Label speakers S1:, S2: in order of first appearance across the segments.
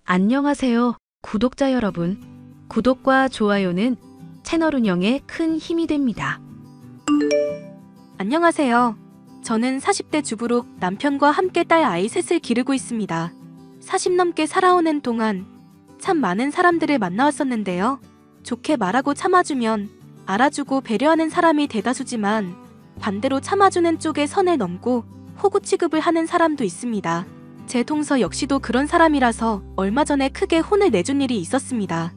S1: 안녕하세요, 구독자 여러분. 구독과 좋아요는 채널 운영에 큰 힘이 됩니다.
S2: 안녕하세요. 저는 40대 주부로 남편과 함께 딸 아이 셋을 기르고 있습니다. 40 넘게 살아오는 동안 참 많은 사람들을 만나왔었는데요. 좋게 말하고 참아주면 알아주고 배려하는 사람이 대다수지만 반대로 참아주는 쪽에 선을 넘고 호구 취급을 하는 사람도 있습니다. 제 동서 역시도 그런 사람이라서 얼마 전에 크게 혼을 내준 일이 있었습니다.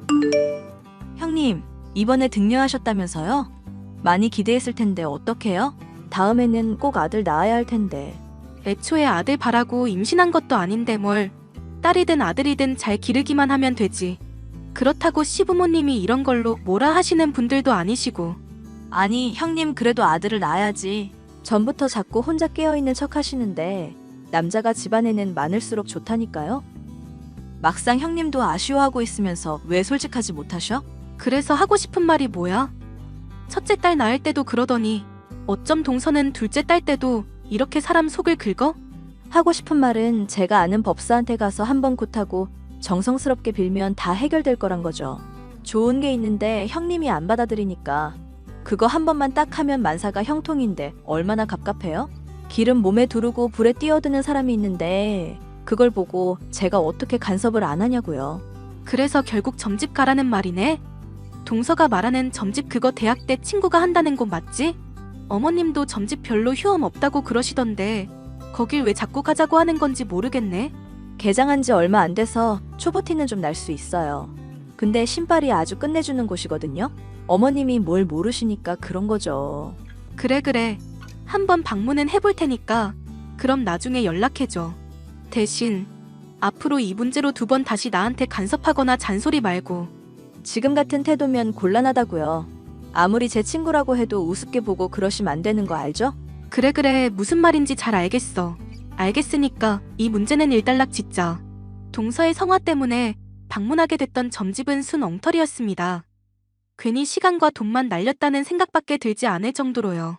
S3: 형님, 이번에 등려하셨다면서요? 많이 기대했을 텐데 어떡해요? 다음에는 꼭 아들 낳아야 할 텐데.
S2: 애초에 아들 바라고 임신한 것도 아닌데 뭘. 딸이든 아들이든 잘 기르기만 하면 되지. 그렇다고 시부모님이 이런 걸로 뭐라 하시는 분들도 아니시고.
S3: 아니, 형님 그래도 아들을 낳아야지. 전부터 자꾸 혼자 깨어있는 척 하시는데 남자가 집안에는 많을수록 좋다니까요? 막상 형님도 아쉬워하고 있으면서 왜 솔직하지 못하셔?
S2: 그래서 하고 싶은 말이 뭐야? 첫째 딸 낳을 때도 그러더니 어쩜 동서는 둘째 딸 때도 이렇게 사람 속을 긁어?
S3: 하고 싶은 말은 제가 아는 법사한테 가서 한번 굿하고 정성스럽게 빌면 다 해결될 거란 거죠. 좋은 게 있는데 형님이 안 받아들이니까 그거 한 번만 딱 하면 만사가 형통인데 얼마나 갑갑해요? 기름 몸에 두르고 불에 뛰어드는 사람이 있는데 그걸 보고 제가 어떻게 간섭을 안 하냐고요.
S2: 그래서 결국 점집 가라는 말이네? 동서가 말하는 점집 그거 대학 때 친구가 한다는 곳 맞지? 어머님도 점집 별로 휴엄 없다고 그러시던데 거길 왜 자꾸 가자고 하는 건지 모르겠네.
S3: 개장한 지 얼마 안 돼서 초보티는 좀 날 수 있어요. 근데 신발이 아주 끝내주는 곳이거든요. 어머님이 뭘 모르시니까 그런 거죠.
S2: 그래. 한번 방문은 해볼 테니까 그럼 나중에 연락해줘. 대신 앞으로 이 문제로 2번 다시 나한테 간섭하거나 잔소리 말고.
S3: 지금 같은 태도면 곤란하다고요. 아무리 제 친구라고 해도 우습게 보고 그러시면 안 되는 거 알죠?
S2: 그래 무슨 말인지 잘 알겠어. 알겠으니까 이 문제는 일단락 짓자. 동서의 성화 때문에 방문하게 됐던 점집은 순 엉터리였습니다. 괜히 시간과 돈만 날렸다는 생각밖에 들지 않을 정도로요.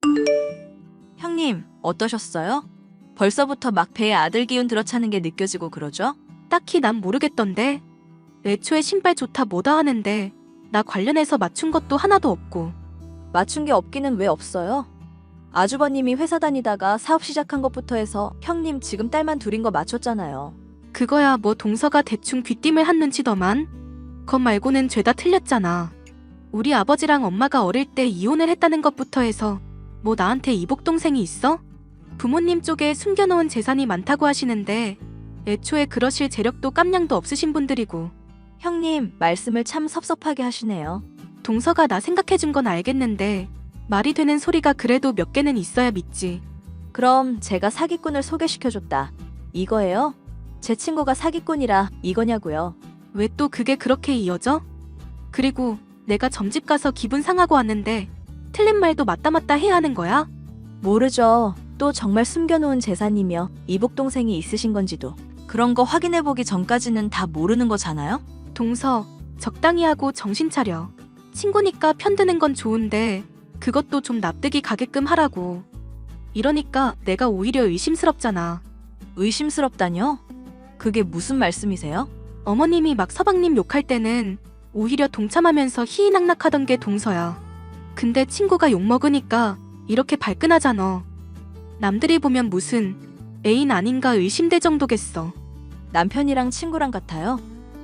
S3: 형님, 어떠셨어요? 벌써부터 막 배에 아들 기운 들어차는 게 느껴지고 그러죠?
S2: 딱히 난 모르겠던데. 애초에 신발 좋다 뭐다 하는데 나 관련해서 맞춘 것도 하나도 없고.
S3: 맞춘 게 없기는 왜 없어요? 아주버님이 회사 다니다가 사업 시작한 것부터 해서 형님 지금 딸만 둘인 거 맞췄잖아요.
S2: 그거야 뭐 동서가 대충 귀띔을 한 눈치더만. 거 말고는 죄다 틀렸잖아. 우리 아버지랑 엄마가 어릴 때 이혼을 했다는 것부터 해서 뭐 나한테 이복동생이 있어? 부모님 쪽에 숨겨놓은 재산이 많다고 하시는데 애초에 그러실 재력도 깜냥도 없으신 분들이고.
S3: 형님, 말씀을 참 섭섭하게 하시네요.
S2: 동서가 나 생각해준 건 알겠는데 말이 되는 소리가 그래도 몇 개는 있어야 믿지.
S3: 그럼 제가 사기꾼을 소개시켜줬다. 이거예요? 제 친구가 사기꾼이라 이거냐고요.
S2: 왜 또 그게 그렇게 이어져? 그리고 내가 점집 가서 기분 상하고 왔는데 틀린 말도 맞다 해야 하는 거야?
S3: 모르죠. 또 정말 숨겨놓은 재산이며 이복동생이 있으신 건지도. 그런 거 확인해보기 전까지는 다 모르는 거잖아요?
S2: 동서, 적당히 하고 정신 차려. 친구니까 편드는 건 좋은데 그것도 좀 납득이 가게끔 하라고. 이러니까 내가 오히려 의심스럽잖아.
S3: 의심스럽다뇨? 그게 무슨 말씀이세요?
S2: 어머님이 막 서방님 욕할 때는 오히려 동참하면서 희희낙낙하던 게 동서야. 근데 친구가 욕먹으니까 이렇게 발끈하잖아. 남들이 보면 무슨 애인 아닌가 의심될 정도겠어.
S3: 남편이랑 친구랑 같아요?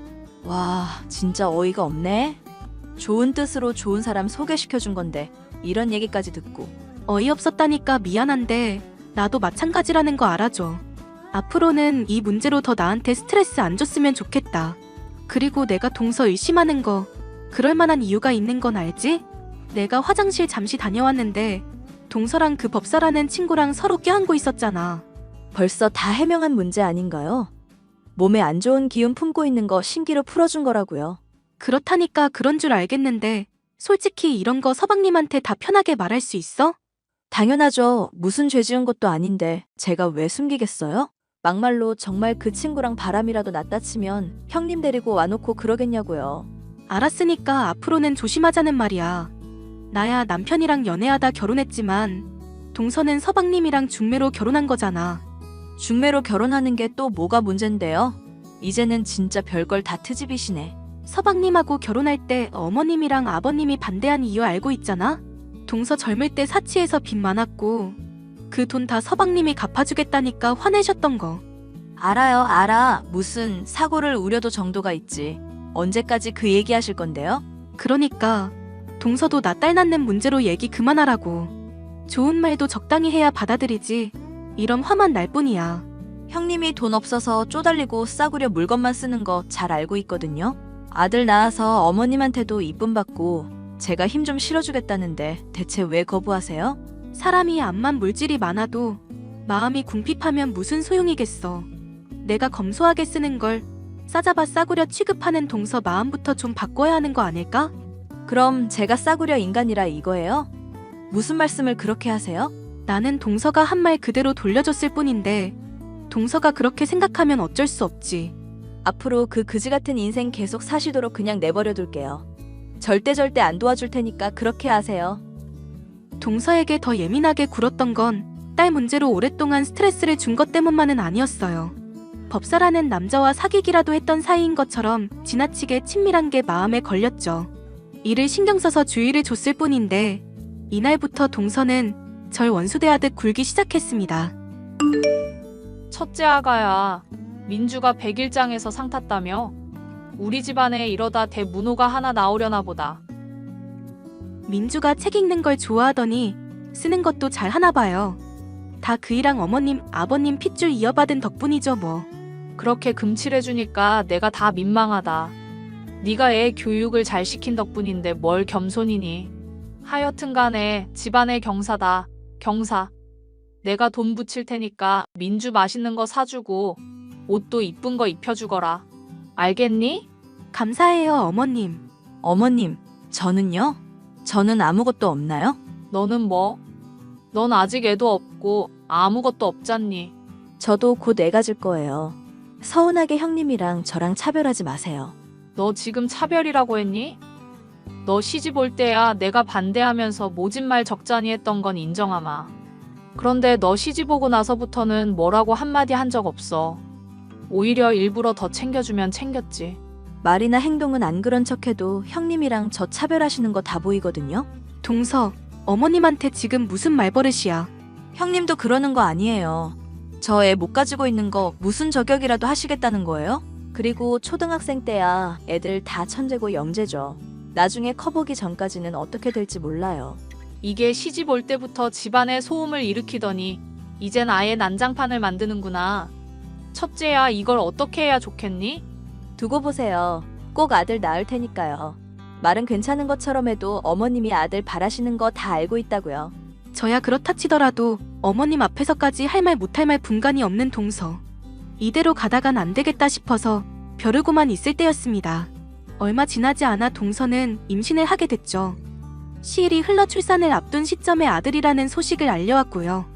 S3: 와, 진짜 어이가 없네. 좋은 뜻으로 좋은 사람 소개시켜준 건데 이런 얘기까지 듣고.
S2: 어이없었다니까 미안한데 나도 마찬가지라는 거 알아줘. 앞으로는 이 문제로 더 나한테 스트레스 안 줬으면 좋겠다. 그리고 내가 동서 의심하는 거 그럴 만한 이유가 있는 건 알지? 내가 화장실 잠시 다녀왔는데 동서랑 그 법사라는 친구랑 서로 껴안고 있었잖아.
S3: 벌써 다 해명한 문제 아닌가요? 몸에 안 좋은 기운 품고 있는 거 신기로 풀어준 거라고요.
S2: 그렇다니까 그런 줄 알겠는데 솔직히 이런 거 서방님한테 다 편하게 말할 수 있어?
S3: 당연하죠. 무슨 죄 지은 것도 아닌데 제가 왜 숨기겠어요? 막말로 정말 그 친구랑 바람이라도 났다 치면 형님 데리고 와놓고 그러겠냐고요.
S2: 알았으니까 앞으로는 조심하자는 말이야. 나야 남편이랑 연애하다 결혼했지만 동서는 서방님이랑 중매로 결혼한 거잖아.
S3: 중매로 결혼하는 게 또 뭐가 문젠데요? 이제는 진짜 별걸 다 트집이시네.
S2: 서방님하고 결혼할 때 어머님이랑 아버님이 반대한 이유 알고 있잖아? 동서 젊을 때 사치해서 빚 많았고 그 돈 다 서방님이 갚아주겠다니까 화내셨던 거.
S3: 알아요, 알아. 무슨 사고를 우려도 정도가 있지. 언제까지 그 얘기하실 건데요?
S2: 그러니까 동서도 나 딸 낳는 문제로 얘기 그만하라고. 좋은 말도 적당히 해야 받아들이지. 이런 화만 날 뿐이야.
S3: 형님이 돈 없어서 쪼달리고 싸구려 물건만 쓰는 거 잘 알고 있거든요. 아들 낳아서 어머님한테도 이쁨 받고 제가 힘 좀 실어주겠다는데 대체 왜 거부하세요?
S2: 사람이 암만 물질이 많아도 마음이 궁핍하면 무슨 소용이겠어. 내가 검소하게 쓰는 걸 싸잡아 싸구려 취급하는 동서 마음부터 좀 바꿔야 하는 거 아닐까?
S3: 그럼 제가 싸구려 인간이라 이거예요? 무슨 말씀을 그렇게 하세요?
S2: 나는 동서가 한 말 그대로 돌려줬을 뿐인데 동서가 그렇게 생각하면 어쩔 수 없지.
S3: 앞으로 그 그지 같은 인생 계속 사시도록 그냥 내버려 둘게요. 절대 안 도와줄 테니까 그렇게 하세요.
S2: 동서에게 더 예민하게 굴었던 건 딸 문제로 오랫동안 스트레스를 준 것 때문만은 아니었어요. 법사라는 남자와 사귀기라도 했던 사이인 것처럼 지나치게 친밀한 게 마음에 걸렸죠. 이를 신경 써서 주의를 줬을 뿐인데 이날부터 동서는 절 원수대하듯 굴기 시작했습니다.
S4: 첫째 아가야, 민주가 백일장에서 상 탔다며? 우리 집안에 이러다 대문호가 하나 나오려나 보다.
S2: 민주가 책 읽는 걸 좋아하더니 쓰는 것도 잘 하나 봐요. 다 그이랑 어머님, 아버님 핏줄 이어받은 덕분이죠 뭐.
S4: 그렇게 금칠해주니까 내가 다 민망하다. 네가 애 교육을 잘 시킨 덕분인데 뭘 겸손이니. 하여튼 간에 집안의 경사다, 경사. 내가 돈 붙일 테니까 민주 맛있는 거 사주고 옷도 이쁜 거 입혀주거라. 알겠니?
S2: 감사해요 어머님.
S3: 어머님, 저는요? 저는 아무것도 없나요?
S4: 너는 뭐? 넌 아직 애도 없고 아무것도 없잖니.
S3: 저도 곧 애 가질 거예요. 서운하게 형님이랑 저랑 차별하지 마세요.
S4: 너 지금 차별이라고 했니? 너 시집 올 때야 내가 반대하면서 모진말 적잖이 했던 건 인정하마. 그런데 너 시집 오고 나서부터는 뭐라고 한마디 한 적 없어. 오히려 일부러 더 챙겨주면 챙겼지.
S3: 말이나 행동은 안 그런 척해도 형님이랑 저 차별하시는 거 다 보이거든요.
S2: 동서, 어머님한테 지금 무슨 말버릇이야.
S3: 형님도 그러는 거 아니에요. 저 애 못 가지고 있는 거 무슨 저격이라도 하시겠다는 거예요? 그리고 초등학생 때야 애들 다 천재고 영재죠. 나중에 커보기 전까지는 어떻게 될지 몰라요.
S4: 이게 시집 올 때부터 집안에 소음을 일으키더니 이젠 아예 난장판을 만드는구나. 첫째야, 이걸 어떻게 해야 좋겠니?
S3: 두고 보세요. 꼭 아들 낳을 테니까요. 말은 괜찮은 것처럼 해도 어머님이 아들 바라시는 거 다 알고 있다고요.
S2: 저야 그렇다 치더라도 어머님 앞에서까지 할 말 못할 말 분간이 없는 동서. 이대로 가다간 안 되겠다 싶어서 벼르고만 있을 때였습니다. 얼마 지나지 않아 동서는 임신을 하게 됐죠. 시일이 흘러 출산을 앞둔 시점에 아들이라는 소식을 알려왔고요.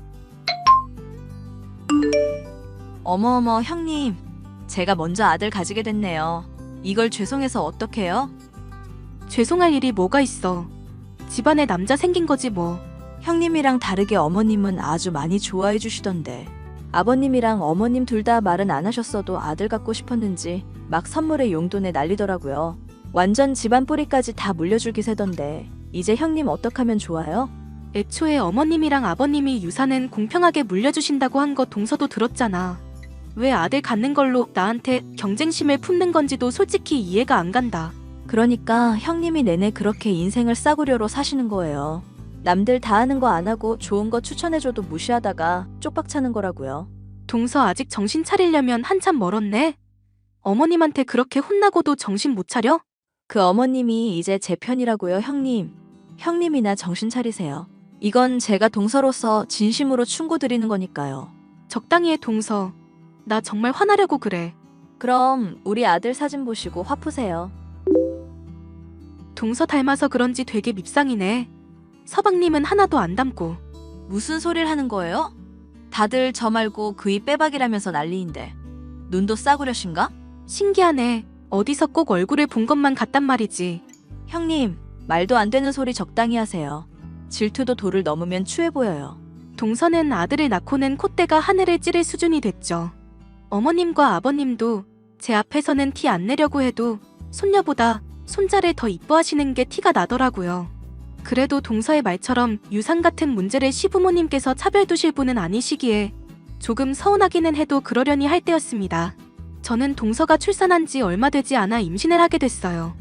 S3: 어머어머 형님, 제가 먼저 아들 가지게 됐네요. 이걸 죄송해서 어떡해요?
S2: 죄송할 일이 뭐가 있어. 집안에 남자 생긴 거지 뭐.
S3: 형님이랑 다르게 어머님은 아주 많이 좋아해 주시던데. 아버님이랑 어머님 둘 다 말은 안 하셨어도 아들 갖고 싶었는지 막 선물에 용돈에 난리더라고요. 완전 집안 뿌리까지 다 물려줄 기세던데 이제 형님 어떡하면 좋아요?
S2: 애초에 어머님이랑 아버님이 유산은 공평하게 물려주신다고 한 거 동서도 들었잖아. 왜 아들 갖는 걸로 나한테 경쟁심을 품는 건지도 솔직히 이해가 안 간다.
S3: 그러니까 형님이 내내 그렇게 인생을 싸구려로 사시는 거예요. 남들 다 하는 거 안 하고 좋은 거 추천해줘도 무시하다가 쪽박 차는 거라고요.
S2: 동서 아직 정신 차리려면 한참 멀었네. 어머님한테 그렇게 혼나고도 정신 못 차려?
S3: 그 어머님이 이제 제 편이라고요, 형님. 형님이나 정신 차리세요. 이건 제가 동서로서 진심으로 충고드리는 거니까요.
S2: 적당히 해 동서. 나 정말 화나려고 그래.
S3: 그럼 우리 아들 사진 보시고 화 푸세요.
S2: 동서 닮아서 그런지 되게 밉상이네. 서방님은 하나도 안 닮고.
S3: 무슨 소리를 하는 거예요? 다들 저 말고 그이 빼박이라면서 난리인데. 눈도 싸구려신가?
S2: 신기하네. 어디서 꼭 얼굴을 본 것만 같단 말이지.
S3: 형님, 말도 안 되는 소리 적당히 하세요. 질투도 도를 넘으면 추해 보여요.
S2: 동서는 아들을 낳고는 콧대가 하늘을 찌를 수준이 됐죠. 어머님과 아버님도 제 앞에서는 티 안 내려고 해도 손녀보다 손자를 더 이뻐하시는 게 티가 나더라고요. 그래도 동서의 말처럼 유산 같은 문제를 시부모님께서 차별 두실 분은 아니시기에 조금 서운하기는 해도 그러려니 할 때였습니다. 저는 동서가 출산한 지 얼마 되지 않아 임신을 하게 됐어요.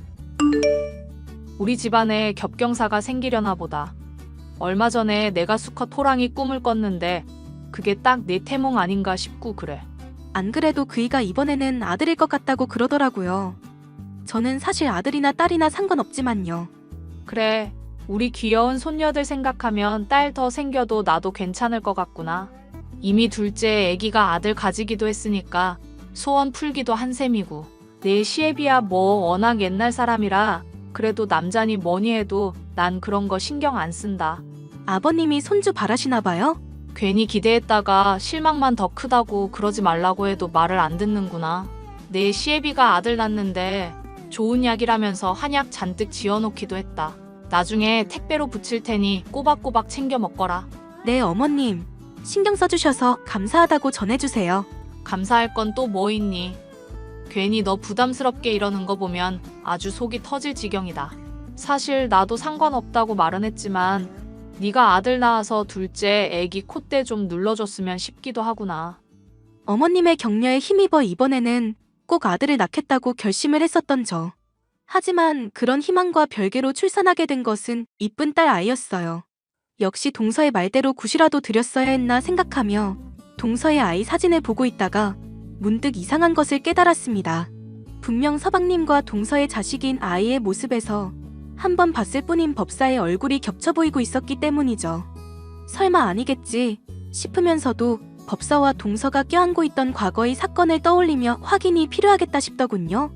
S4: 우리 집안에 겹경사가 생기려나 보다. 얼마 전에 내가 수컷 호랑이 꿈을 꿨는데 그게 딱 내 태몽 아닌가 싶고 그래.
S2: 안 그래도 그이가 이번에는 아들일 것 같다고 그러더라고요. 저는 사실 아들이나 딸이나 상관없지만요.
S4: 그래, 우리 귀여운 손녀들 생각하면 딸 더 생겨도 나도 괜찮을 것 같구나. 이미 둘째 애기가 아들 가지기도 했으니까 소원 풀기도 한 셈이고. 내 시애비야 뭐 워낙 옛날 사람이라 그래도 남자니 뭐니 해도 난 그런 거 신경 안 쓴다.
S2: 아버님이 손주 바라시나 봐요?
S4: 괜히 기대했다가 실망만 더 크다고 그러지 말라고 해도 말을 안 듣는구나. 내 시애비가 아들 낳는데 좋은 약이라면서 한약 잔뜩 지어놓기도 했다. 나중에 택배로 붙일 테니 꼬박꼬박 챙겨 먹거라.
S2: 네, 어머님. 신경 써주셔서 감사하다고 전해주세요.
S4: 감사할 건 또 뭐 있니? 괜히 너 부담스럽게 이러는 거 보면 아주 속이 터질 지경이다. 사실 나도 상관없다고 말은 했지만 네가 아들 낳아서 둘째 애기 콧대 좀 눌러줬으면 싶기도 하구나.
S2: 어머님의 격려에 힘입어 이번에는 꼭 아들을 낳겠다고 결심을 했었던 저. 하지만 그런 희망과 별개로 출산하게 된 것은 이쁜 딸 아이였어요. 역시 동서의 말대로 굿이라도 드렸어야 했나 생각하며 동서의 아이 사진을 보고 있다가 문득 이상한 것을 깨달았습니다. 분명 서방님과 동서의 자식인 아이의 모습에서 한 번 봤을 뿐인 법사의 얼굴이 겹쳐 보이고 있었기 때문이죠. 설마 아니겠지 싶으면서도 법사와 동서가 껴안고 있던 과거의 사건을 떠올리며 확인이 필요하겠다 싶더군요.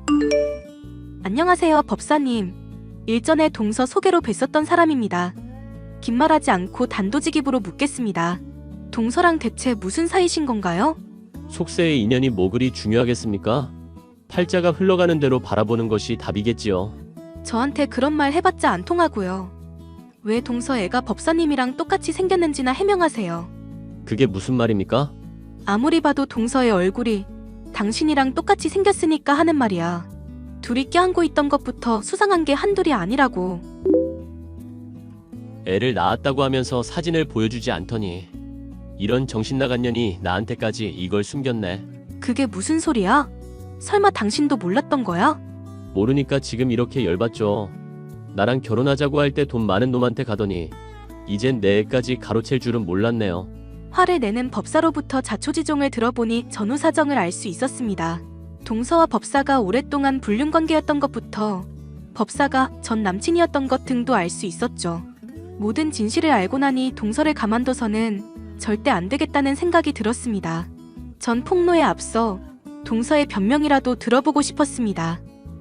S2: 안녕하세요, 법사님. 일전에 동서 소개로 뵀었던 사람입니다. 긴 말하지 않고 단도직입으로 묻겠습니다. 동서랑 대체 무슨 사이신 건가요?
S5: 속세의 인연이 뭐 그리 중요하겠습니까? 팔자가 흘러가는 대로 바라보는 것이 답이겠지요.
S2: 저한테 그런 말 해봤자 안 통하고요. 왜 동서 애가 법사님이랑 똑같이 생겼는지나 해명하세요.
S5: 그게 무슨 말입니까?
S2: 아무리 봐도 동서의 얼굴이 당신이랑 똑같이 생겼으니까 하는 말이야. 둘이 껴안고 있던 것부터 수상한 게 한둘이 아니라고.
S5: 애를 낳았다고 하면서 사진을 보여주지 않더니 이런 정신나간 년이 나한테까지 이걸 숨겼네.
S2: 그게 무슨 소리야? 설마 당신도 몰랐던 거야?
S5: 모르니까 지금 이렇게 열받죠. 나랑 결혼하자고 할 때 돈 많은 놈한테 가더니 이젠 내 애까지 가로챌 줄은 몰랐네요.
S2: 화를 내는 법사로부터 자초지종을 들어보니 전후 사정을 알 수 있었습니다. 동서와 법사가 오랫동안 불륜관계였던 것부터 법사가 전 남친이었던 것 등도 알 수 있었죠. 모든 진실을 알고 나니 동서를 가만둬서는 절대 안 되겠다는 생각이 들었습니다. 전 폭로에 앞서 동서의 변명이라도 들어보고 싶었습니다.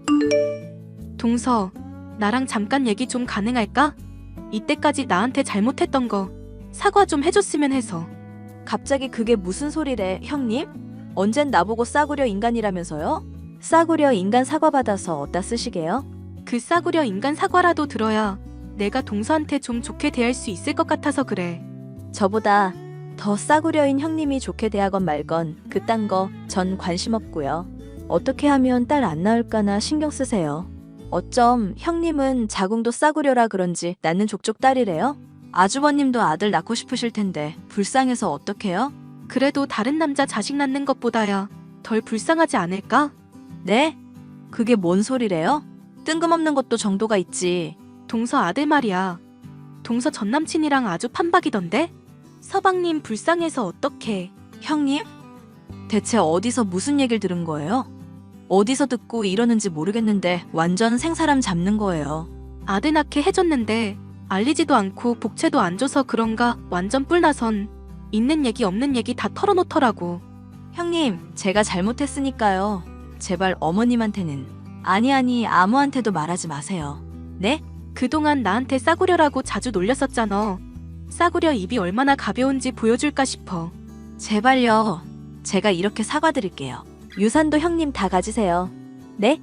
S2: 동서, 나랑 잠깐 얘기 좀 가능할까? 이때까지 나한테 잘못했던 거 사과 좀 해줬으면 해서.
S3: 갑자기 그게 무슨 소리래, 형님? 언젠 나보고 싸구려 인간이라면서요? 싸구려 인간 사과 받아서 어디다 쓰시게요?
S2: 그 싸구려 인간 사과라도 들어야 내가 동서한테 좀 좋게 대할 수 있을 것 같아서 그래.
S3: 저보다 더 싸구려인 형님이 좋게 대하건 말건 그딴 거 전 관심 없고요. 어떻게 하면 딸 안 낳을까나 신경 쓰세요. 어쩜 형님은 자궁도 싸구려라 그런지 낳는 족족 딸이래요? 아주버님도 아들 낳고 싶으실 텐데 불쌍해서 어떡해요?
S2: 그래도 다른 남자 자식 낳는 것보다야 덜 불쌍하지 않을까?
S3: 네? 그게 뭔 소리래요? 뜬금없는 것도 정도가 있지.
S2: 동서 아들 말이야. 동서 전남친이랑 아주 판박이던데? 서방님 불쌍해서 어떡해.
S3: 형님? 대체 어디서 무슨 얘기를 들은 거예요? 어디서 듣고 이러는지 모르겠는데 완전 생사람 잡는 거예요.
S2: 아들 낳게 해줬는데 알리지도 않고 복채도 안 줘서 그런가 완전 뿔나선 있는 얘기 없는 얘기 다 털어놓더라고.
S3: 형님, 제가 잘못했으니까요. 제발 어머님한테는 아니 아무한테도 말하지 마세요. 네?
S2: 그동안 나한테 싸구려라고 자주 놀렸었잖아. 싸구려 입이 얼마나 가벼운지 보여줄까 싶어.
S3: 제발요. 제가 이렇게 사과드릴게요. 유산도 형님 다 가지세요. 네?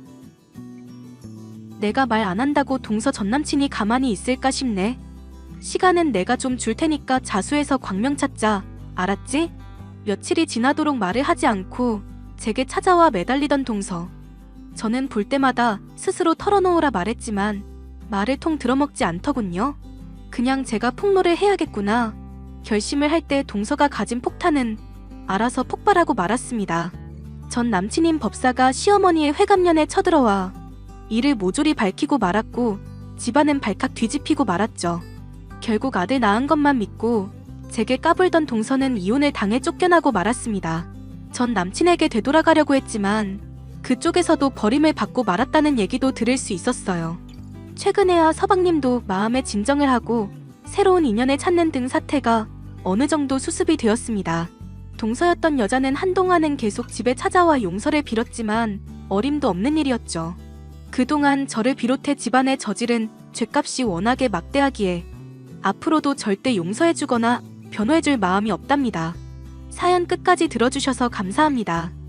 S2: 내가 말 안 한다고 동서 전남친이 가만히 있을까 싶네. 시간은 내가 좀 줄 테니까 자수해서 광명 찾자. 알았지? 며칠이 지나도록 말을 하지 않고 제게 찾아와 매달리던 동서. 저는 볼 때마다 스스로 털어놓으라 말했지만 말을 통 들어먹지 않더군요. 그냥 제가 폭로를 해야겠구나. 결심을 할 때 동서가 가진 폭탄은 알아서 폭발하고 말았습니다. 전 남친인 법사가 시어머니의 회갑년에 쳐들어와 이를 모조리 밝히고 말았고 집안은 발칵 뒤집히고 말았죠. 결국 아들 낳은 것만 믿고 제게 까불던 동서는 이혼을 당해 쫓겨나고 말았습니다. 전 남친에게 되돌아가려고 했지만 그쪽에서도 버림을 받고 말았다는 얘기도 들을 수 있었어요. 최근에야 서방님도 마음의 진정을 하고 새로운 인연을 찾는 등 사태가 어느 정도 수습이 되었습니다. 동서였던 여자는 한동안은 계속 집에 찾아와 용서를 빌었지만 어림도 없는 일이었죠. 그동안 저를 비롯해 집안에 저지른 죗값이 워낙에 막대하기에 앞으로도 절대 용서해주거나 변호해줄 마음이 없답니다. 사연 끝까지 들어주셔서 감사합니다.